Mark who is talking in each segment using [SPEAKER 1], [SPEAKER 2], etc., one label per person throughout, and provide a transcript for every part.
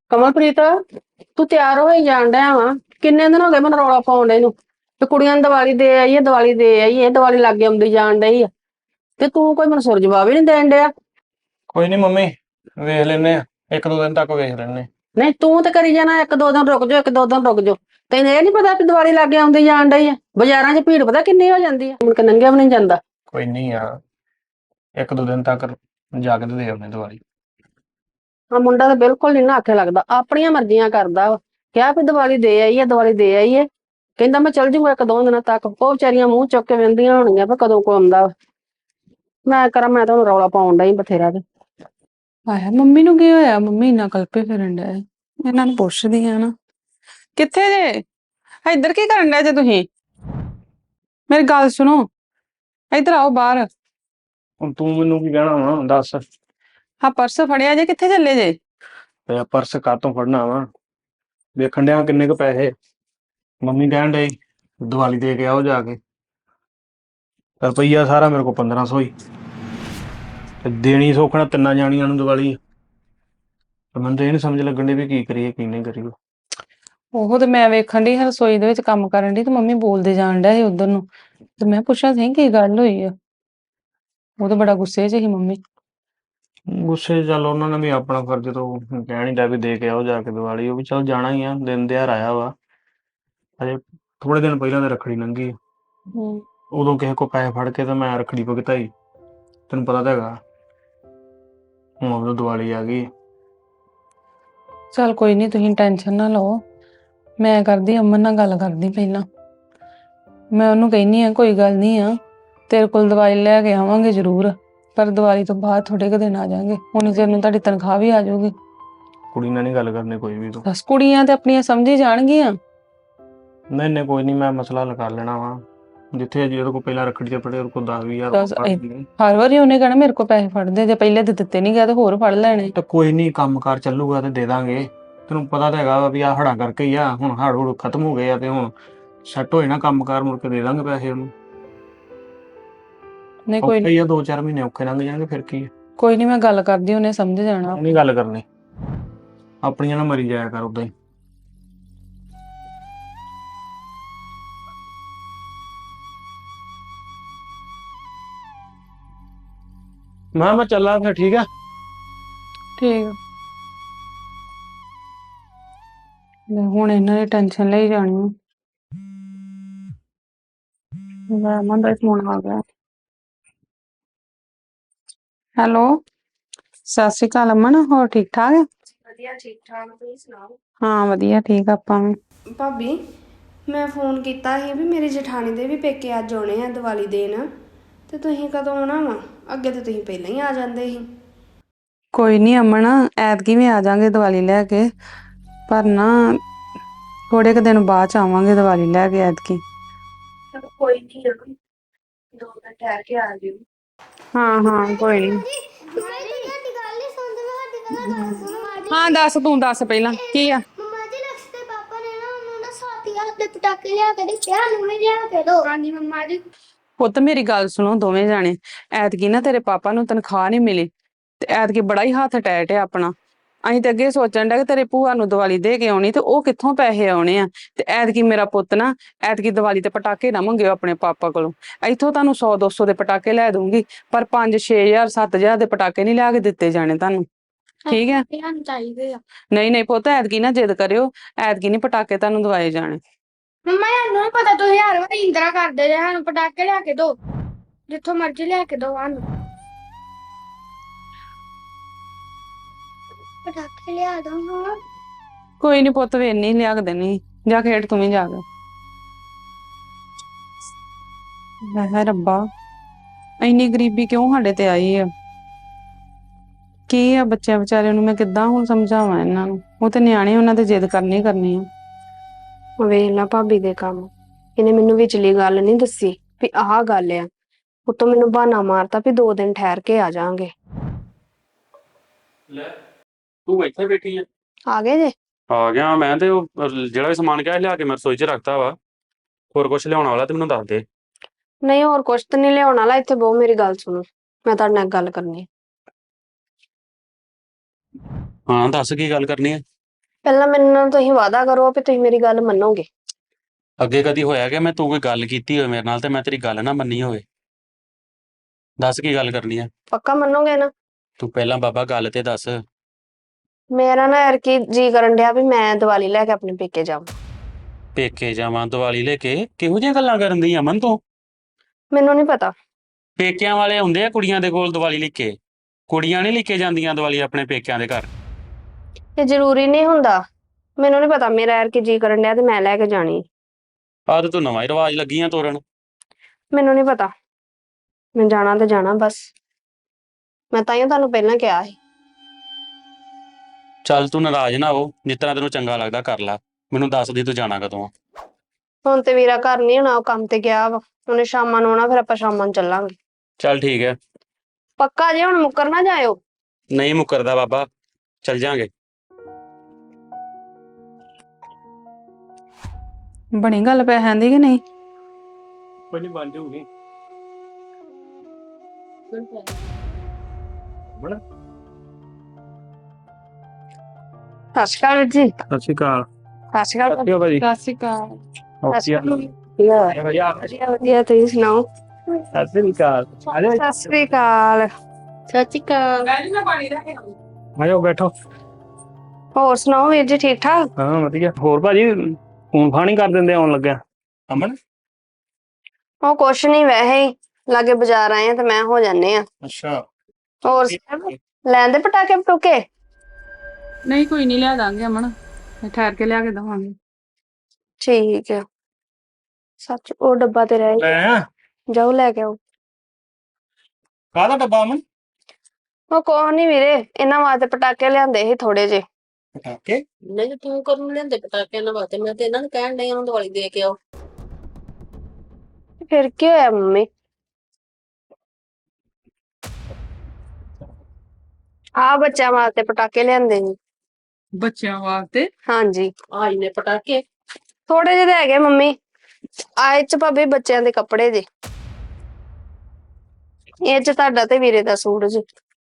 [SPEAKER 1] ਕਮਲਪ੍ਰੀਤ, ਤੂੰ ਤਿਆਰ ਹੋਈ ਜਾਣ ਡਿਆ ਵਾ। ਕਿੰਨੇ ਦਿਨ ਹੋ ਗਏ ਮੈਨੂੰ ਰੌਲਾ ਪਾਉਣ ਡਏ ਨੂੰ ਤੇ ਕੁੜੀਆਂ ਨੂੰ ਦੀਵਾਲੀ ਦੇ ਆਈਏ, ਦੀਵਾਲੀ ਦੇ ਆਈਏ, ਦੀਵਾਲੀ ਲਾਗੇ ਆਉਂਦੀ ਜਾਣ ਡਈ ਆ ਤੇ ਤੂੰ ਕੋਈ ਮੈਨੂੰ ਸੁਰ ਜਵਾਬ ਹੀ ਨਹੀਂ ਦੇਣ ਡਿਆ।
[SPEAKER 2] ਕੋਈ ਨਹੀਂ ਮੰਮੀ, ਵੇਖ ਲੈਨੇ ਆ। ਇੱਕ ਦੋ ਦਿਨ ਤੱਕ ਵੇਖ ਲੈਨੇ।
[SPEAKER 1] ਨਹੀਂ, ਤੂੰ ਤੇ ਕਰੀ ਜਾਣਾ ਇੱਕ ਦੋ ਦਿਨ ਰੁਕ ਜਾਓ, ਇੱਕ ਦੋ ਦਿਨ ਰੁਕ ਜਾਓ। ਤੈਨੂੰ ਇਹ ਨਹੀਂ ਪਤਾ ਕਿ ਦੀਵਾਲੀ ਲਾਗੇ ਆਉਂਦੀ ਜਾਣ ਡਈ ਆ? ਬਾਜ਼ਾਰਾਂ 'ਚ ਭੀੜ ਪਤਾ ਕਿੰਨੀ ਹੋ ਜਾਂਦੀ ਆ, ਮੁੜ ਕੇ ਨੰਗਿਆ ਵੀ ਨਹੀਂ ਜਾਂਦਾ।
[SPEAKER 2] ਕੋਈ ਨਹੀਂ ਯਾਰ, ਇੱਕ ਦੋ ਦਿਨ ਤੱਕ ਜਾ ਕੇ ਤੇ ਦੇ ਆਉਨੇ ਦੀਵਾਲੀ।
[SPEAKER 1] ਆ ਮੁੰਡਾ ਤਾਂ ਬਿਲਕੁਲ ਨਹੀਂ ਨਾ ਆਖੇ ਲੱਗਦਾ, ਆਪਣੀਆਂ ਮਰਜ਼ੀਆਂ ਕਰਦਾ ਵਾ। ਕਿਹਾ ਵੀ ਦੀਵਾਲੀ ਦੇ ਆਈਏ, ਦੀਵਾਲੀ ਦੇ ਆਈਏ, ਕਹਿੰਦਾ ਮੈਂ ਚੱਲ ਜੂਗਾ ਇੱਕ ਦੋ ਦਿਨਾਂ ਤੱਕ। ਉਹ ਵਿਚਾਰੀਆਂ ਮੂੰਹ ਚੁੱਕ ਕੇ ਵਹਿੰਦੀਆਂ ਹੋਣਗੀਆਂ ਵੀ ਕਦੋਂ ਕੋ ਆਉਂਦਾ ਵਾ। ਮੈਂ ਕਰਾਂ, ਮੈਂ ਤਾਂ ਹੁਣ ਰੌਲਾ ਪਾਉਣ ਡਈ ਬਥੇਰਾ ਤੇ।
[SPEAKER 3] ਆਇਆ ਮੰਮੀ ਨੂੰ ਕੀ ਹੋਇਆ? ਮੰਮੀ ਇੰਨਾ ਕਲਪੇ ਫਿਰਨ ਡਿਆ। ਇਹਨਾਂ ਨੂੰ ਪੁੱਛਦੀ ਆ ਨਾ, ਕਿੱਥੇ ਜੇ? ਇੱਧਰ ਕੀ ਕਰਨ ਡਿਆ ਜੇ ਤੁਸੀਂ? ਮੇਰੀ ਗੱਲ ਸੁਣੋ, ਇੱਧਰ ਆਓ ਬਾਹਰ।
[SPEAKER 2] ਹੁਣ ਤੂੰ ਮੈਨੂੰ ਕੀ ਕਹਿਣਾ ਵਾ, ਦੱਸ।
[SPEAKER 3] ਹਾਂ ਪਰਸ ਫੜਿਆ ਜੇ, ਕਿੱਥੇ ਚੱਲੇ ਜੇ?
[SPEAKER 2] ਤੇ ਪਰਸ ਕਾਹਤੋਂ ਫੜਨਾ ਵਾ? ਵੇਖਣ ਡਿਆ ਕਿੰਨੇ ਕੁ ਪੈਸੇ। ਮੰਮੀ ਕਹਿਣ ਡਈ ਦੀਵਾਲੀ ਦੇ ਕੇ ਆਓ ਜਾ ਕੇ। ਰੁਪਈਆ ਸਾਰਾ ਮੇਰੇ ਕੋਲ 1500 ਹੀ, ਤੇ ਦੇਣੀ ਸੌਖਣਾ ਤਿੰਨਾਂ ਜਾਣੀਆਂ ਨੂੰ ਦੀਵਾਲੀ। ਤੇ ਮੈਨੂੰ ਤਾਂ ਇਹ ਨੀ ਸਮਝ ਲੱਗਣ ਡਈ ਵੀ ਕੀ ਕਰੀਏ ਕੀ ਨਹੀਂ ਕਰੀਏ।
[SPEAKER 3] ਉਹ ਤੇ ਮੈਂ ਵੇਖਣ ਡਈ ਰਸੋਈ ਦੇ ਵਿੱਚ ਕੰਮ ਕਰਨ ਡਈ ਤੇ ਮੰਮੀ ਬੋਲਦੇ ਜਾਣ ਡਿਆ ਸੀ ਉਧਰ ਨੂੰ, ਤੇ ਮੈਂ ਪੁੱਛਿਆ ਸੀ ਕੀ ਗੱਲ ਹੋਈ ਆ। ਉਹ ਤਾਂ ਬੜਾ ਗੁੱਸੇ 'ਚ ਸੀ ਮੰਮੀ।
[SPEAKER 2] ਗੁੱਸੇ 'ਚ ਚੱਲ ਉਹਨਾਂ ਨੇ ਵੀ ਆਪਣਾ ਫਰਜ਼ ਤੋਂ ਕਹਿ ਨਹੀਂ ਡਿਆ ਵੀ ਦੇ ਕੇ ਆਓ ਜਾ ਕੇ ਦੀਵਾਲੀ। ਉਹ ਵੀ ਚੱਲ ਜਾਣਾ ਹੀ ਆ, ਦਿਨ ਤਿਉਹਾਰ ਆਇਆ ਵਾ। ਅਜੇ ਥੋੜੇ ਦਿਨ ਪਹਿਲਾਂ ਤਾਂ ਰੱਖੜੀ ਲੰਘੀ, ਉਦੋਂ ਕਿਸੇ ਕੋ ਪੈਸੇ ਫੜ ਕੇ ਤਾਂ ਮੈਂ ਰੱਖੜੀ ਭੁਗਤਾਈ। ਤੈਨੂੰ ਪਤਾ ਤਾਂ ਹੈਗਾ, ਹੁਣ ਉਦੋਂ ਦੀਵਾਲੀ ਆ ਗਈ।
[SPEAKER 3] ਚੱਲ ਕੋਈ ਨਹੀਂ, ਤੁਸੀਂ ਟੈਨਸ਼ਨ ਨਾ ਲਓ। ਮੈਂ ਕਰਦੀ ਅਮਨ ਨਾਲ ਗੱਲ ਕਰਦੀ ਪਹਿਲਾਂ। ਮੈਂ ਉਹਨੂੰ ਕਹਿੰਦੀ ਆ ਕੋਈ ਗੱਲ ਨਹੀਂ ਆ, ਤੇਰੇ ਕੋਲ ਦਵਾਈ ਲੈ ਕੇ ਆਵਾਂਗੇ ਜ਼ਰੂਰ, ਪਰ ਦੀਵਾਲੀ ਤੋਂ ਬਾਅਦ ਥੋੜੇ ਕੁ ਦਿਨ ਆ ਜਾਾਂਗੇ। ਹੁਣ ਚਿਰ ਨੂੰ ਤੁਹਾਡੀ ਤਨਖਾਹ ਵੀ ਆ ਜਾਊਗੀ।
[SPEAKER 2] ਕੁੜੀ ਨਾਲ ਨਹੀਂ ਗੱਲ ਕਰਨੀ ਕੋਈ ਵੀ ਤੂੰ।
[SPEAKER 3] ਬਸ ਕੁੜੀਆਂ ਤੇ ਆਪਣੀਆਂ ਸਮਝੀ ਜਾਣਗੀਆਂ।
[SPEAKER 2] ਨਹੀਂ ਕੋਈ ਨਹੀਂ, ਮੈਂ ਮਸਲਾ ਹੱਲ ਕਰ ਲੈਣਾ ਵਾ। ਜਿੱਥੇ ਅਜੇ ਉਹਦੇ ਕੋਲ ਪਹਿਲਾਂ ਰੱਖੜੀ ਤੇ ਫੜੇ, ਉਹਦੇ ਕੋਲ 10,000
[SPEAKER 3] ਬਸ
[SPEAKER 2] ਫੜ ਲਈ।
[SPEAKER 3] ਹਰ ਵਾਰੀ ਉਹਨੇ ਕਹਿਣਾ ਮੇਰੇ ਕੋਲ ਪੈਸੇ ਫੜਦੇ, ਜੇ ਪਹਿਲੇ ਤੇ ਦਿੱਤੇ ਨਹੀਂ ਗਏ ਤੇ ਹੋਰ ਫੜ ਲੈਣੇ।
[SPEAKER 2] ਤਾਂ ਕੋਈ ਨਹੀਂ, ਕੰਮ ਕਾਰ ਚੱਲੂਗਾ ਤੇ ਦੇ ਦਾਂਗੇ। ਤੈਨੂੰ ਪਤਾ ਤਾਂ ਹੈਗਾ ਵਾ ਵੀ ਆਹ ਹੜਾਂ ਕਰਕੇ ਹੀ ਆ। ਹੁਣ ਹੜ ਹੁੜ ਖਤਮ ਹੋ ਗਏ ਆ ਤੇ ਹੁਣ ਸੈੱਟ ਹੋਏ ਨਾ ਕੰਮ ਕਾਰ, ਮੁੜ ਕੇ ਦੇ ਦਾਂਗੇ ਪੈਸੇ ਉਹਨੂੰ।
[SPEAKER 3] ਨਹੀਂ ਕੋਈ
[SPEAKER 2] ਔਖੇ ਹੀ ਆ, 2-4 ਮਹੀਨੇ ਔਖੇ ਲੰਘ ਜਾਣਗੇ, ਫਿਰ ਕੀ ਆ।
[SPEAKER 3] ਕੋਈ ਨਹੀਂ, ਮੈਂ ਗੱਲ ਕਰਦੀ, ਉਹਨੇ ਸਮਝ ਜਾਣਾ।
[SPEAKER 2] ਨਹੀਂ ਗੱਲ ਕਰਨੀ, ਆਪਣੀਆਂ ਨਾ ਮਰੀ ਜਾਇਆ ਕਰ ਉਦਾਂ ਹੀ। ਮੈਂ ਚੱਲਾਂ ਫਿਰ, ਠੀਕ ਆ।
[SPEAKER 3] ਠੀਕ ਆ। ਲੈ ਹੁਣ ਇਹਨਾਂ ਦੀ ਟੈਨਸ਼ਨ ਲਈ ਜਾਣੀ ਆ। ਲੈ ਅਮਨ ਦਾ ਫੋਨ ਆ ਗਿਆ। ਹੈਲੋ, ਸਤਿ ਸ਼੍ਰੀ ਅਕਾਲ ਅਮਨ, ਹੋਰ ਠੀਕ ਠਾਕ?
[SPEAKER 4] ਵਧੀਆ, ਠੀਕ ਠਾਕ, ਤੁਸੀਂ ਸੁਣਾਓ?
[SPEAKER 3] ਹਾਂ ਵਧੀਆ, ਠੀਕ ਆਪਾਂ ਵੀ।
[SPEAKER 4] ਭਾਬੀ, ਮੈਂ ਫੋਨ ਕੀਤਾ ਸੀ ਵੀ ਮੇਰੀ ਜਠਾਣੀ ਦੇ ਵੀ ਪੇਕੇ ਅੱਜ ਆਉਣੇ ਆ ਦੀਵਾਲੀ ਦੇਣ, ਤੇ ਤੁਸੀਂ ਕਦੋਂ ਆਉਣਾ ਵਾ? ਅੱਗੇ ਤੇ ਤੁਸੀਂ ਪਹਿਲਾਂ ਹੀ ਆ ਜਾਂਦੇ ਸੀ।
[SPEAKER 3] ਕੋਈ ਨਹੀਂ ਅਮਨ, ਐਤਕੀ ਵੀ ਆ ਜਾਾਂਗੇ ਦੀਵਾਲੀ ਲੈ ਕੇ, ਪਰ ਨਾ ਥੋੜੇ ਕੁ ਦਿਨ ਬਾਅਦ ਚ ਆਵਾਂਗੇ ਦੀਵਾਲੀ ਲੈ ਕੇ ਐਤਕੀ।
[SPEAKER 4] ਚਲੋ ਕੋਈ ਨਹੀਂ, 2 ਦਿਨ ਠਹਿਰ ਕੇ ਆ ਜਿਓ।
[SPEAKER 3] ਹਾਂ ਕੋਈ ਨਹੀਂ। ਹਾਂ ਦੱਸ, ਤੂੰ ਦੱਸ ਪਹਿਲਾਂ ਕੀ ਆ।
[SPEAKER 5] ਮੰਮਾ ਜੀ, ਲਕਸ਼ ਦੇ ਪਾਪਾ ਨੇ ਨਾ ਉਹਨੂੰ ਨਾ 7,000 ਦੇ ਪਟਾਕੇ ਲਿਆ ਕੇ ਦਿੱਤੇ, ਸਾਨੂੰ ਵੀ ਲਿਆ ਕੇ ਦੋ। ਹਾਂਜੀ ਮੰਮਾ ਜੀ।
[SPEAKER 3] ਪੁੱਤ ਮੇਰੀ ਗੱਲ ਸੁਣੋ ਦੋਵੇਂ ਜਾਣੇ, ਐਤਕੀ ਨਾ ਤੇਰੇ ਪਾਪਾ ਨੂੰ ਤਨਖਾਹ ਨਹੀਂ ਮਿਲੀ ਤੇ ਐਤਕੀ ਬੜਾ ਹੀ ਹੱਥ ਟੈਟ ਆ ਆਪਣਾ। ਅਸੀਂ ਤੇ ਅੱਗੇ ਸੋਚਣ ਡਿਆ ਕਿ ਤੇਰੇ ਭੂਆ ਨੂੰ ਦੀਵਾਲੀ ਦੇ ਕੇ ਆਉਣੀ ਤੇ ਉਹ ਕਿੱਥੋਂ ਪੈਸੇ ਆਉਣੇ ਆ। ਤੇ ਐਤਕੀ ਮੇਰਾ ਪੁੱਤ ਨਾ, ਐਤਕੀ ਦੀਵਾਲੀ ਤੇ ਪਟਾਕੇ ਨਾ ਮੰਗਿਓ ਆਪਣੇ ਪਾਪਾ ਕੋਲੋਂ। ਇੱਥੋਂ ਤੁਹਾਨੂੰ 100-200 ਦੇ ਪਟਾਕੇ ਲੈ ਦੂੰਗੀ, ਪਰ 5-6,000 7,000 ਦੇ ਪਟਾਕੇ ਨਹੀਂ ਲਿਆ ਕੇ ਦਿੱਤੇ ਜਾਣੇ ਤੁਹਾਨੂੰ, ਠੀਕ ਹੈ?
[SPEAKER 5] ਸਾਨੂੰ ਚਾਹੀਦੇ ਆ।
[SPEAKER 3] ਨਹੀਂ ਪੁੱਤ, ਐਤਕੀ ਨਾ ਜਿੱਦ ਕਰਿਓ, ਐਤਕੀ ਨਹੀਂ ਪਟਾਕੇ ਤੁਹਾਨੂੰ ਦਵਾਏ ਜਾਣੇ।
[SPEAKER 5] ਮੰਮਾ ਸਾਨੂੰ ਨੀ ਪਤਾ, ਤੁਸੀਂ ਹਰ ਵਾਰੀ ਇੰਦਰਾ ਕਰਦੇ ਜੇ, ਸਾਨੂੰ ਪਟਾਕੇ ਲਿਆ ਕੇ ਦੋ, ਜਿੱਥੋਂ ਮਰਜ਼ੀ ਲਿਆ ਕੇ ਦੋ ਸਾਨੂੰ ਪਟਾਕੇ ਲਿਆ ਦੋ। ਹਾਂ
[SPEAKER 3] ਕੋਈ ਨਹੀਂ ਪੁੱਤ, ਵੇ ਨਹੀਂ ਲਿਆ ਕੇ ਦੇਣੀ, ਜਾ ਖੇਡ ਤੂੰ ਵੀ ਜਾ ਕੇ। ਹੈ ਰੱਬਾ, ਇੰਨੀ ਗਰੀਬੀ ਕਿਉਂ ਸਾਡੇ ਤੇ ਆਈ ਆ? ਕੀ ਆ ਬੱਚਿਆਂ ਵਿਚਾਰਿਆਂ ਨੂੰ ਮੈਂ ਕਿੱਦਾਂ ਹੁਣ ਸਮਝਾਵਾਂ ਇਹਨਾਂ ਨੂੰ? ਉਹ ਤੇ ਨਿਆਣੇ, ਉਹਨਾਂ ਤੇ ਜਿੱਦ ਕਰਨੀ ਆ।
[SPEAKER 4] ਵੇਖ ਲਾ ਭਾਬੀ ਦੇ ਕੰਮ, ਇਹਨੇ ਮੈਨੂੰ ਵਿਚਲੀ ਗੱਲ ਨਹੀਂ ਦੱਸੀ ਵੀ ਆਹ ਗੱਲ ਆ। ਉਤੋਂ ਮੈਨੂੰ ਬਹਾਨਾ ਮਾਰਤਾ ਵੀ 2 ਦਿਨ ਠਹਿਰ ਕੇ ਆ ਜਾਾਂਗੇ।
[SPEAKER 2] ਲੈ ਤੂੰ ਇੱਥੇ ਬੈਠੀ ਆ?
[SPEAKER 4] ਆ ਗਏ ਜੇ?
[SPEAKER 6] ਆ ਗਿਆ ਮੈਂ। ਤੇ ਉਹ ਜਿਹੜਾ ਵੀ ਸਮਾਨ ਕਿਹਾ ਲਿਆ ਕੇ ਮੈਂ ਰਸੋਈ 'ਚ ਰੱਖਤਾ ਵਾ। ਹੋਰ ਕੁਝ ਲਿਆਉਣ ਵਾਲਾ ਤੇ ਮੈਨੂੰ ਦੱਸ ਦੇ।
[SPEAKER 4] ਨਹੀਂ, ਹੋਰ ਕੁਛ ਤਾਂ ਨਹੀਂ ਲਿਆਉਣ ਵਾਲਾ। ਇੱਥੇ ਬਹੁ, ਮੇਰੀ ਗੱਲ ਸੁਣੋ, ਮੈਂ ਤੁਹਾਡੇ ਨਾਲ ਗੱਲ ਕਰਨੀ।
[SPEAKER 6] ਹਾਂ ਦੱਸ, ਕੀ ਗੱਲ ਕਰਨੀ ਹੈ?
[SPEAKER 4] ਪਹਿਲਾਂ ਮੈਨੂੰ ਨਾਲ ਤੁਸੀਂ ਵਾਅਦਾ ਕਰੋ ਵੀ ਤੁਸੀਂ ਮੇਰੀ ਗੱਲ ਮੰਨੋਗੇ।
[SPEAKER 6] ਅੱਗੇ ਕਦੀ ਹੋਇਆ ਕਿ ਮੈਂ ਤੂੰ ਕੋਈ ਗੱਲ ਕੀਤੀ ਹੋਵੇ ਮੇਰੇ ਨਾਲ ਤੇ ਮੈਂ ਤੇਰੀ ਗੱਲ ਨਾ ਮੰਨੀ ਹੋਵੇ? ਦੱਸ ਕੀ ਗੱਲ ਕਰਨੀ ਆ?
[SPEAKER 4] ਪੱਕਾ ਮੰਨੋਗੇ ਨਾ?
[SPEAKER 6] ਤੂੰ ਪਹਿਲਾਂ ਬਾਬਾ ਗੱਲ ਤੇ ਦੱਸ।
[SPEAKER 4] ਮੇਰਾ ਨਾ ਯਾਰ ਕੀ ਜੀ ਕਰਨ ਡਿਆ ਵੀ ਮੈਂ ਦੀਵਾਲੀ ਲੈ ਕੇ ਆਪਣੇ ਪੇਕੇ ਜਾਵਾਂ।
[SPEAKER 6] ਪੇਕੇ ਜਾਵਾਂ ਦੀਵਾਲੀ ਲੈ ਕੇ? ਕਿਹੋ ਜਿਹੀਆਂ ਗੱਲਾਂ ਕਰਨ ਦੀ ਅਮਨ ਤੂੰ?
[SPEAKER 4] ਮੈਨੂੰ ਨਹੀਂ ਪਤਾ।
[SPEAKER 6] ਪੇਕਿਆਂ ਵਾਲੇ ਹੁੰਦੇ ਆ ਕੁੜੀਆਂ ਦੇ ਕੋਲ ਦੀਵਾਲੀ ਲੈ ਕੇ। ਕੁੜੀਆਂ ਨਹੀਂ ਲੈ ਕੇ ਜਾਂਦੀਆਂ ਦੀਵਾਲੀ ਆਪਣੇ ਪੇਕਿਆਂ ਦੇ ਘਰ।
[SPEAKER 4] ਇਹ ਜ਼ਰੂਰੀ ਨਹੀਂ ਹੁੰਦਾ। ਮੈਨੂੰ ਨਹੀਂ ਪਤਾ, ਮੇਰਾ ਯਾਰ ਕੀ ਜੀ ਕਰਨ ਡਿਆ ਤੇ ਮੈਂ ਲੈ ਕੇ ਜਾਣੀ।
[SPEAKER 6] ਆਹ ਤੇ ਤੂੰ ਨਵਾਂ ਹੀ ਰਿਵਾਜ ਲੱਗੀ ਆ ਤੋਰਨ।
[SPEAKER 4] ਮੈਨੂੰ ਨਹੀਂ ਪਤਾ, ਮੈਂ ਜਾਣਾ ਤੇ ਜਾਣਾ ਬਸ। ਮੈਂ ਤਾਂ ਹੀ ਤੁਹਾਨੂੰ ਪਹਿਲਾਂ ਕਿਹਾ ਸੀ।
[SPEAKER 6] ਚੱਲ ਤੂੰ ਨਾਰਾਜ਼ ਨਾ ਹੋ, ਜਿਸ ਤਰ੍ਹਾਂ ਤੈਨੂੰ ਚੰਗਾ ਲੱਗਦਾ ਕਰ ਲੈ। ਮੈਨੂੰ ਦੱਸ ਦੀ ਤੂੰ ਜਾਣਾ ਕਦੋਂ ਆ।
[SPEAKER 4] ਹੁਣ ਤੇ ਵੀਰਾ ਘਰ ਨਹੀਂ ਹੋਣਾ, ਉਹ ਕੰਮ ਤੇ ਗਿਆ ਵਾ। ਉਹਨੇ ਸ਼ਾਮਾਂ ਨੂੰ ਆਉਣਾ, ਫਿਰ ਆਪਾਂ ਸ਼ਾਮਾਂ ਨੂੰ ਚੱਲਾਂਗੇ।
[SPEAKER 6] ਚੱਲ ਠੀਕ ਹੈ।
[SPEAKER 4] ਪੱਕਾ ਜੇ ਹੁਣ ਮੁੱਕਰ ਨਾ ਜਾਇਓ।
[SPEAKER 6] ਨਹੀਂ ਮੁੱਕਰਦਾ ਬਾਬਾ, ਚੱਲ ਜਾਾਂਗੇ।
[SPEAKER 3] ਬਣੀ ਗੱਲ ਪੈਸਿਆਂ ਦੀ ਕਿ ਨਹੀਂ?
[SPEAKER 2] ਕੋਈ ਨਹੀਂ ਬਣ ਜਾਊਗੀ। ਬਣਾ
[SPEAKER 4] ਸਤਿ ਸ਼੍ਰੀ ਅਕਾਲ ਵੀਰ ਜੀ।
[SPEAKER 2] ਸਤਿ ਸ਼੍ਰੀ ਅਕਾਲ।
[SPEAKER 4] ਸਤਿ ਸ਼੍ਰੀ ਅਕਾਲ।
[SPEAKER 2] ਸਤਿ ਭਾਜੀ।
[SPEAKER 3] ਸਤਿ ਸ਼੍ਰੀ ਅਕਾਲ।
[SPEAKER 4] ਸਤਿ ਸ਼੍ਰੀ ਅਕਾਲ। ਵਧੀਆ ਵਧੀਆ, ਤੁਸੀਂ ਸੁਣਾਓ?
[SPEAKER 2] ਸਤਿ ਸ਼੍ਰੀ ਅਕਾਲ।
[SPEAKER 4] ਸਤਿ ਸ਼੍ਰੀ ਅਕਾਲ।
[SPEAKER 1] ਸਤਿ ਸ਼੍ਰੀ ਅਕਾਲ।
[SPEAKER 2] ਆਜੋ ਬੈਠੋ।
[SPEAKER 4] ਹੋਰ ਸੁਣਾਓ ਵੀਰ ਜੀ, ਠੀਕ ਠਾਕ?
[SPEAKER 2] ਹਾਂ ਵਧੀਆ। ਹੋਰ ਭਾਜੀ ਫੋਨ ਫਾਨ ਹੀ ਕਰ ਦਿੰਦੇ ਆਉਣ ਲੱਗਿਆ। ਅਮਨ।
[SPEAKER 4] ਉਹ ਕੁਛ ਨਹੀਂ, ਵੈਸੇ ਹੀ ਲਾਗੇ ਬਾਜ਼ਾਰ ਆਏ ਆ ਤੇ ਮੈਂ ਹੋ ਜਾਂਦੇ ਆ।
[SPEAKER 2] ਅੱਛਾ।
[SPEAKER 4] ਹੋਰ ਲੈਂਦੇ ਪਟਾਕੇ ਪਟੂਕੇ?
[SPEAKER 3] ਨਹੀਂ ਕੋਈ ਨਹੀਂ, ਲਿਆ ਦਾਂਗੇ ਅਮਨ, ਠਹਿਰ ਕੇ ਲਿਆ ਕੇ ਦਵਾਂਗੇ।
[SPEAKER 4] ਠੀਕ ਆ। ਸੱਚ ਉਹ ਡੱਬਾ ਤੇ ਰਹਿ
[SPEAKER 2] ਲੈ ਆ।
[SPEAKER 4] ਜਾਓ ਲੈ ਕੇ ਆਓ।
[SPEAKER 2] ਕਾਹਦਾ ਡੱਬਾ ਅਮਨ?
[SPEAKER 4] ਉਹ ਕੁਛ ਨੀ ਵੀਰੇ, ਇਹਨਾਂ ਵਾਸਤੇ ਪਟਾਕੇ ਲਿਆਂਦੇ ਸੀ ਥੋੜੇ ਜੇ।
[SPEAKER 2] ਪਟਾਕੇ?
[SPEAKER 1] ਨਹੀਂ ਤੂੰ ਕਦੋਂ ਲੈਂਦੇ ਪਟਾਕੇ ਇਹਨਾਂ ਵਾਸਤੇ? ਮੈਂ ਤੇ ਇਹਨਾਂ ਨੂੰ ਕਹਿਣ ਡਈ ਉਹਨੂੰ ਦੀਵਾਲੀ ਦੇ ਕੇ ਆਓ।
[SPEAKER 4] ਫਿਰ ਕੀ ਹੋਇਆ ਮੰਮੀ? ਆ ਬੱਚਿਆਂ ਵਾਸਤੇ ਪਟਾਕੇ ਲਿਆਂਦੇ ਸੀ।
[SPEAKER 3] ਬੱਚਿਆਂ ਵਾਸਤੇ?
[SPEAKER 4] ਹਾਂਜੀ
[SPEAKER 1] ਆਈ ਨੇ ਪਟਾਕੇ।
[SPEAKER 4] ਥੋੜੇ ਜਿਹੇ ਹੈਗੇ ਮੰਮੀ। ਆਏ ਚ ਭਾਬੀ ਬੱਚਿਆਂ ਦੇ ਕੱਪੜੇ ਜੇ। ਇਹ ਚ ਤੁਹਾਡਾ ਤੇ ਵੀਰੇ ਦਾ ਸੂਟ ਜੀ।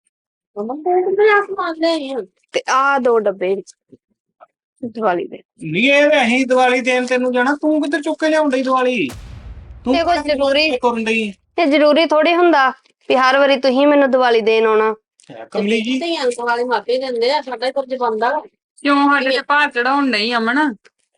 [SPEAKER 4] ਤੇ ਆ 2 ਡੱਬੇ ਦੀਵਾਲੀ ਦੇ।
[SPEAKER 2] ਨਹੀਂ ਇਹ ਤੇ ਅਸੀਂ ਦੀਵਾਲੀ ਦੇਣ ਤੈਨੂੰ ਜਾਣਾ, ਤੂੰ ਕਿੱਧਰ ਚੁੱਕ ਕੇ ਲਿਆਉਣ ਡਈ ਦੀਵਾਲੀ? ਤੂੰ
[SPEAKER 4] ਇਹ ਕੋਈ ਜ਼ਰੂਰੀ
[SPEAKER 2] ਕਰਨ ਡਈ?
[SPEAKER 4] ਇਹ ਜ਼ਰੂਰੀ ਥੋੜੀ ਹੁੰਦਾ ਵੀ ਹਰ ਵਾਰੀ ਤੁਸੀਂ ਮੈਨੂੰ ਦੀਵਾਲੀ ਦੇਣ ਆਉਣਾ।
[SPEAKER 2] ਕਮਲੀ ਜੀ।
[SPEAKER 1] ਧੀਆਂ ਦੀਵਾਲੀ ਮਾਪੇ ਦਿੰਦੇ ਆ, ਸਾਡਾ ਹੀ ਫਰਜ਼ ਬਣਦਾ।
[SPEAKER 3] ਕਿਉਂ ਸਾਡੇ ਤੇ ਭਾਰ ਚੜਾਉਣ ਨਹੀਂ ਅਮਨ?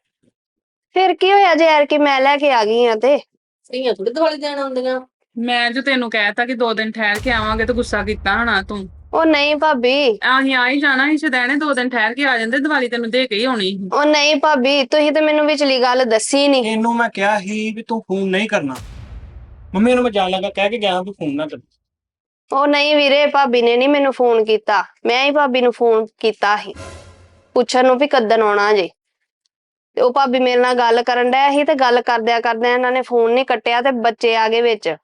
[SPEAKER 4] ਫਿਰ ਕੀ ਹੋਇਆ ਜੇ ਯਾਰ ਕਿ ਮੈਂ ਲੈ ਕੇ ਆ ਗਈ ਆ ਤੇ?
[SPEAKER 1] ਧੀਆਂ ਥੋੜੀ ਦੀਵਾਲੀ ਦੇਣ ਆਉਂਦੀਆਂ।
[SPEAKER 3] ਮੈਂ ਜੋ ਤੈਨੂੰ ਕਹਿਤਾ ਕਿ 2 ਦਿਨ ਠਹਿਰ ਕੇ ਆਵਾਂਗੇ ਤੇ ਗੁੱਸਾ ਕੀਤਾ ਹੋਣਾ ਤੂੰ।
[SPEAKER 4] ਉਹ ਨਹੀਂ ਭਾਬੀ।
[SPEAKER 3] ਅਸੀਂ ਆ ਹੀ ਜਾਣਾ ਸੀ ਸ਼ਦੈਣੇ, 2 ਦਿਨ ਠਹਿਰ ਕੇ ਆ ਜਾਂਦੇ, ਦੀਵਾਲੀ ਤੈਨੂੰ ਦੇ ਕੇ ਹੀ ਆਉਣੀ ਸੀ।
[SPEAKER 4] ਉਹ ਨਹੀਂ ਭਾਬੀ, ਤੁਸੀਂ ਤੇ ਮੈਨੂੰ ਵਿਚਲੀ ਗੱਲ ਦੱਸੀ ਨਹੀਂ।
[SPEAKER 2] ਇਹਨੂੰ ਮੈਂ ਕਿਹਾ ਸੀ ਵੀ ਤੂੰ ਫੋਨ ਨਹੀਂ ਕਰਨਾ। ਮੰਮੀ ਨੂੰ ਮੈਂ ਜਾਣ ਲੱਗਾ ਕਹਿ ਕੇ ਗਿਆ ਵੀ ਫੋਨ ਨਾ ਕਰ।
[SPEAKER 4] ਉਹ ਨਹੀਂ ਵੀਰੇ, ਭਾਬੀ ਨੇ ਨਹੀਂ ਮੈਨੂੰ ਫੋਨ ਕੀਤਾ, ਮੈਂ ਹੀ ਭਾਬੀ ਨੂੰ ਫੋਨ ਕੀਤਾ ਸੀ ਪੁੱਛਣ ਨੂੰ ਵੀ ਕਦੋਂ ਆਉਣਾ ਜੇ। ਤੇ ਉਹ ਭਾਬੀ ਮੇਰੇ ਨਾਲ ਗੱਲ ਕਰਨ ਡਿਆ ਸੀ ਤੇ ਗੱਲ ਕਰਦਿਆਂ ਕਰਦਿਆਂ ਇਹਨਾਂ ਨੇ ਫੋਨ ਨਹੀਂ ਕੱਟਿਆ ਤੇ ਬੱਚੇ ਆ ਗਏ ਵਿੱਚ।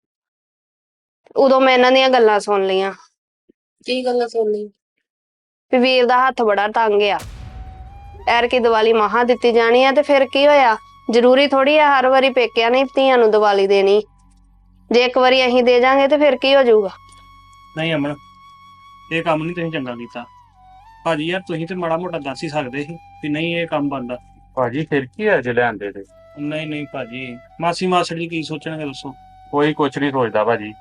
[SPEAKER 4] ਉਦੋਂ ਮੈਂ ਇਹਨਾਂ ਦੀਆਂ ਗੱਲਾਂ ਸੁਣ ਲਈਆਂ
[SPEAKER 1] ਕੀ ਗੱਲਾਂ ਸੁਣਨੀ?
[SPEAKER 4] ਵੀ ਵੀਰ ਦਾ ਹੱਥ ਬੜਾ ਤੰਗ ਆ, ਐਰ ਕੀ ਦੀਵਾਲੀ ਮਹਾ ਦਿੱਤੀ ਜਾਣੀ ਆ ਤੇ ਫਿਰ ਕੀ ਹੋਇਆ? ਜ਼ਰੂਰੀ ਥੋੜੀ ਆ ਹਰ ਵਾਰੀ ਪੇਕਿਆਂ ਨੇ ਧੀਆਂ ਨੂੰ ਦੀਵਾਲੀ ਦੇਣੀ। ਜੇ ਇੱਕ ਵਾਰੀ ਅਸੀਂ ਦੇ ਜਾਾਂਗੇ ਤੇ ਫਿਰ ਕੀ ਹੋ ਜਾਊਗਾ?
[SPEAKER 2] ਨਹੀਂ ਅਮਨ, ਇਹ ਕੰਮ ਨਹੀਂ ਤੁਸੀਂ ਚੰਗਾ ਕੀਤਾ। ਭਾਜੀ ਯਾਰ ਤੁਸੀਂ ਤੇ ਮਾੜਾ ਮੋਟਾ ਦੱਸ ਹੀ ਸਕਦੇ ਸੀ ਵੀ ਨਹੀਂ ਇਹ ਕੰਮ ਬਣਦਾ।
[SPEAKER 6] ਭਾਜੀ ਫਿਰ ਕੀ ਹੈ ਜੇ ਲੈਂਦੇ ਤੇ?
[SPEAKER 2] ਨਹੀਂ ਨਹੀਂ ਭਾਜੀ, ਮਾਸੀ ਮਾਸੜ ਜੀ ਕੀ ਸੋਚਣਗੇ ਦੱਸੋ?
[SPEAKER 6] ਕੋਈ ਕੁਛ ਨਹੀਂ ਸੋਚਦਾ ਭਾਜੀ।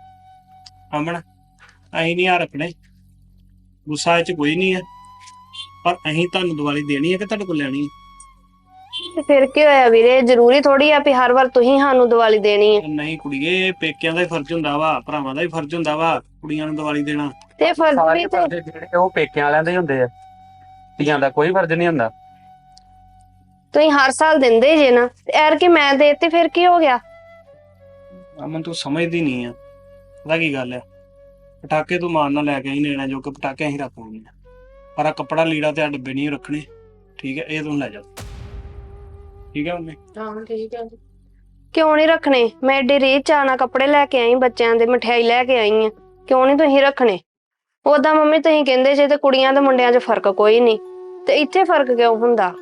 [SPEAKER 2] ਅਮਨ ਅਸੀਂ ਨਹੀਂ ਆ ਰੱਖਣੇ, ਗੁੱਸਾ ਇਹ ਚ ਕੋਈ ਨਹੀਂ ਹੈ, ਪਰ ਅਸੀਂ ਤੁਹਾਨੂੰ ਦੀਵਾਲੀ ਦੇਣੀ ਹੈ ਕਿ ਤੁਹਾਡੇ ਕੋਲ ਲੈਣੀ ਹੈ?
[SPEAKER 4] ਤੇ ਫਿਰ ਕੀ ਹੋਇਆ ਵੀਰੇ? ਜ਼ਰੂਰੀ ਥੋੜੀ ਆ ਵੀ ਹਰ ਵਾਰ ਤੁਸੀਂ ਸਾਨੂੰ ਦੀਵਾਲੀ ਦੇਣੀ ਹੈ।
[SPEAKER 2] ਨਹੀਂ ਕੁੜੀਏ, ਪੇਕਿਆਂ ਦਾ ਹੀ ਫਰਜ਼ ਹੁੰਦਾ ਵਾ, ਭਰਾਵਾਂ ਦਾ ਵੀ ਫਰਜ਼ ਹੁੰਦਾ ਵਾ ਕੁੜੀਆਂ ਨੂੰ ਦੀਵਾਲੀ ਦੇਣਾ।
[SPEAKER 4] ਤੇ ਫਰਜ਼ ਵੀ
[SPEAKER 6] ਸਾਰੇ
[SPEAKER 4] ਤੇ
[SPEAKER 6] ਫਰਜ਼ ਜਿਹੜੇ ਉਹ ਪੇਕਿਆਂ ਵਾਲਿਆਂ ਦੇ ਹੀ ਹੁੰਦੇ ਆ, ਧੀਆਂ ਦਾ ਕੋਈ ਫਰਜ਼ ਨਹੀਂ ਹੁੰਦਾ।
[SPEAKER 4] ਤੁਸੀਂ ਹਰ ਸਾਲ ਦਿੰਦੇ ਜੇ ਨਾ, ਤੇ ਐਰ ਕਿ ਮੈਂ ਦੇਤੀ ਫਿਰ ਕੀ ਹੋ ਗਿਆ?
[SPEAKER 2] ਅਮਨ ਤੂੰ ਸਮਝਦੀ ਨਹੀਂ ਆ, ਪਤਾ ਕੀ ਗੱਲ ਆ, ਪਟਾਕੇ ਤੂੰ ਮਾਨ ਨਾਲ ਲੈ ਕੇ ਆਈ, ਨੇਣਾ ਜੋ ਕਿ ਪਟਾਕੇ ਅਸੀਂ ਰੱਖ ਲਾਂਗੇ, ਪਰ ਆ ਕੱਪੜਾ ਲੀੜਾ ਤੇ ਆ ਡੱਬੇ ਨਹੀਂ ਰੱਖਣੇ, ਠੀਕ ਹੈ? ਇਹ ਤੂੰ ਲੈ ਜਾ, ਠੀਕ ਹੈ ਮੰਮੀ?
[SPEAKER 1] ਹਾਂ ਠੀਕ ਹੈ।
[SPEAKER 4] ਕਿਉਂ ਨਹੀਂ ਰੱਖਣੇ? ਮੈਂ ਏਡੀ ਰੀਚ ਆਣਾ ਕੱਪੜੇ ਲੈ ਕੇ ਆਈ, ਬੱਚਿਆਂ ਦੇ ਮਠਿਆਈ ਲੈ ਕੇ ਆਈ ਆ, ਕਿਉਂ ਨਹੀਂ ਤੁਸੀਂ ਰੱਖਣੇ? ਉਦਾਂ ਮੰਮੀ ਤੁਸੀਂ ਕਹਿੰਦੇ ਜੇ ਤੇ ਕੁੜੀਆਂ ਤੇ ਮੁੰਡਿਆਂ 'ਚ ਫਰਕ ਕੋਈ ਨਹੀਂ, ਤੇ ਇੱਥੇ ਫਰਕ ਕਿਉਂ ਹੁੰਦਾ?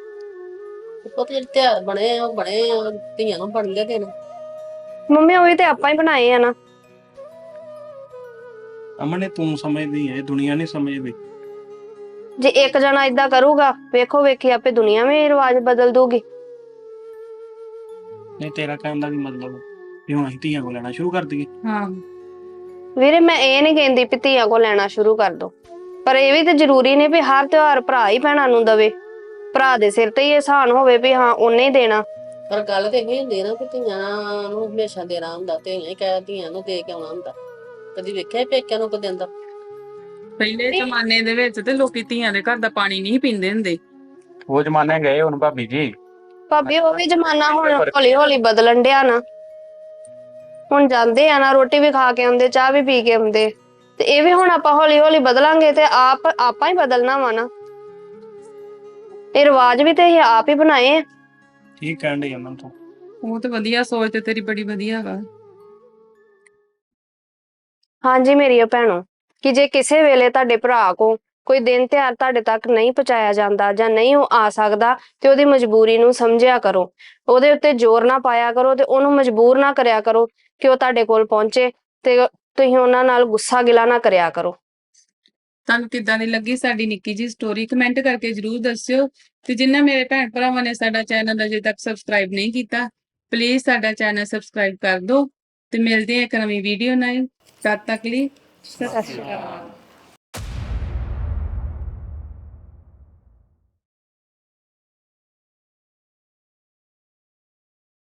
[SPEAKER 1] ਉਹ ਤੇ ਤਿਉਹਾਰ ਬਣੇ ਆ, ਉਹ ਬਣੇ ਆ, ਧੀਆਂ ਨੂੰ ਬਣ ਗਏ ਦਿਨ।
[SPEAKER 4] ਮੰਮੀ ਉਹ ਵੀ ਤੇ ਆਪਾਂ ਹੀ ਬਣਾਏ ਆ ਨਾ।
[SPEAKER 2] ਅਮਨ ਇਹ ਤੂੰ ਸਮਝਦੀ ਹੈ, ਇਹ ਦੁਨੀਆ ਨਹੀਂ ਸਮਝਦੀ।
[SPEAKER 4] ਜੇ ਇੱਕ ਜਣਾ ਇਦਾਂ ਕਰੂਗਾ ਵੇਖੋ ਵੇਖੀ ਆਪੇ ਦੁਨੀਆ ਵੀ ਰਿਵਾਜ ਬਦਲ ਦੂਗੀ।
[SPEAKER 2] ਨਹੀਂ ਤੇਰਾ ਕਹਿਣ ਦਾ ਵੀ ਮਤਲਬ ਵੀ ਹੁਣ ਅਸੀਂ ਧੀਆਂ ਕੋ ਲੈਣਾ ਸ਼ੁਰੂ ਕਰ ਦਈਏ?
[SPEAKER 3] ਹਾਂ
[SPEAKER 4] ਵੀਰੇ ਮੈਂ ਇਹ ਨਹੀਂ ਕਹਿੰਦੀ ਵੀ ਧੀਆਂ ਕੋ ਲੈਣਾ ਸ਼ੁਰੂ ਕਰ ਦੋ, ਪਰ ਇਹ ਵੀ ਤੇ ਜ਼ਰੂਰੀ ਨਹੀਂ ਵੀ ਹਰ ਤਿਉਹਾਰ ਭਰਾ ਹੀ ਭੈਣਾਂ ਨੂੰ ਦਵੇ। ਭਰਾ ਦੇ ਸਿਰ ਤੇ ਹੀ ਇਹਸਾਨ ਹੋਵੇ ਵੀ ਹਾਂ ਉਹਨੇ ਹੀ ਦੇਣਾ।
[SPEAKER 1] ਪਰ ਗੱਲ ਤੇ ਇਹ ਹੁੰਦੀ ਨਾ ਕਿ ਧੀਆਂ ਨੂੰ ਹਮੇਸ਼ਾ ਦੇਣਾ ਹੁੰਦਾ, ਧੀਆਂ ਹੀ ਕਹਿ ਧੀਆਂ ਨੂੰ ਦੇ ਕੇ ਆਉਣਾ ਹੁੰਦਾ। ਕਦੀ ਵੇਖਿਆ ਪੇਕਿਆਂ ਨੂੰ ਕੋ ਦਿੰਦਾ?
[SPEAKER 3] ਪਹਿਲੇ ਜ਼ਮਾਨੇ ਦੇ ਵਿੱਚ ਤੇ ਲੋਕੀ ਧੀਆਂ ਦੇ ਘਰ ਦਾ ਪਾਣੀ ਨਹੀਂ ਪੀਂਦੇ ਹੁੰਦੇ।
[SPEAKER 6] ਉਹ ਜ਼ਮਾਨੇ ਗਏ ਹੁਣ ਭਾਬੀ ਜੀ।
[SPEAKER 4] ਭਾਬੀ ਉਹ ਵੀ ਜ਼ਮਾਨਾ ਹੁਣ ਹੌਲੀ ਹੌਲੀ ਬਦਲਣ ਡਿਆ ਨਾ। ਹੁਣ ਜਾਂਦੇ ਆ ਨਾ, ਰੋਟੀ ਵੀ ਖਾ ਕੇ ਆਉਂਦੇ, ਚਾਹ ਵੀ ਪੀ ਕੇ ਆਉਂਦੇ, ਤੇ ਇਹ ਵੀ ਹੁਣ ਆਪਾਂ ਹੌਲੀ ਹੌਲੀ ਬਦਲਾਂਗੇ ਤੇ ਆਪਾਂ ਹੀ ਬਦਲਣਾ ਵਾ ਨਾ। ਇਹ ਰਿਵਾਜ ਵੀ ਤੇ ਇਹ ਆਪ ਹੀ ਬਣਾਏ ਆ।
[SPEAKER 2] ਠੀਕ ਕਹਿਣ ਡਈ ਅਮਨ ਤੂੰ।
[SPEAKER 3] ਉਹ ਤੇ ਵਧੀਆ ਸੋਚ ਤੇ ਤੇਰੀ ਬੜੀ ਵਧੀਆ ਵਾ।
[SPEAKER 4] ਹਾਂਜੀ ਮੇਰੀਓ ਭੈਣੋ, ਕਿ ਜੇ ਕਿਸੇ ਵੇਲੇ ਤੁਹਾਡੇ ਭਰਾ ਕੋ ਕੋਈ ਦਿਨ ਤਿਉਹਾਰ ਤੁਹਾਡੇ ਤੱਕ ਨਹੀਂ ਪਹੁੰਚਾਇਆ ਜਾਂਦਾ ਜਾਂ ਨਹੀਂ ਉਹ ਆ ਸਕਦਾ, ਤੇ ਉਹਦੀ ਮਜਬੂਰੀ ਨੂੰ ਸਮਝਿਆ ਕਰੋ। ਉਹਦੇ ਉੱਤੇ ਜ਼ੋਰ ਨਾ ਪਾਇਆ ਕਰੋ ਤੇ ਉਹਨੂੰ ਮਜਬੂਰ ਨਾ ਕਰਿਆ ਕਰੋ ਕਿ ਉਹ ਤੁਹਾਡੇ ਕੋਲ ਪਹੁੰਚੇ, ਤੇ ਤੁਸੀਂ ਉਹਨਾਂ ਨਾਲ ਗੁੱਸਾ ਗਿਲਾ ਨਾ ਕਰਿਆ ਕਰੋ।
[SPEAKER 3] ਤੁਹਾਨੂੰ ਕਿੱਦਾਂ ਦੀ ਲੱਗੀ ਸਾਡੀ ਨਿੱਕੀ ਜੀ ਸਟੋਰੀ, ਕਮੈਂਟ ਕਰਕੇ ਜਰੂਰ ਦੱਸਿਓ। ਤੇ ਜਿਨ੍ਹਾਂ ਮੇਰੇ ਭੈਣ ਭਰਾਵਾਂ ਨੇ ਸਾਡਾ ਚੈਨਲ ਅਜੇ ਤੱਕ ਸਬਸਕ੍ਰਾਈਬ ਨਹੀਂ ਕੀਤਾ, ਪਲੀਜ਼ ਸਾਡਾ ਚੈਨਲ ਸਬਸਕ੍ਰਾਈਬ ਕਰ ਦਿਓ। ਤੇ ਮਿਲਦੇ ਹਾਂ ਇੱਕ ਨਵੀਂ ਵੀਡੀਓ ਨਾਲ। ਤਦ ਤੱਕ ਲਈ ਸਤਿ ਸ਼੍ਰੀ ਅਕਾਲ।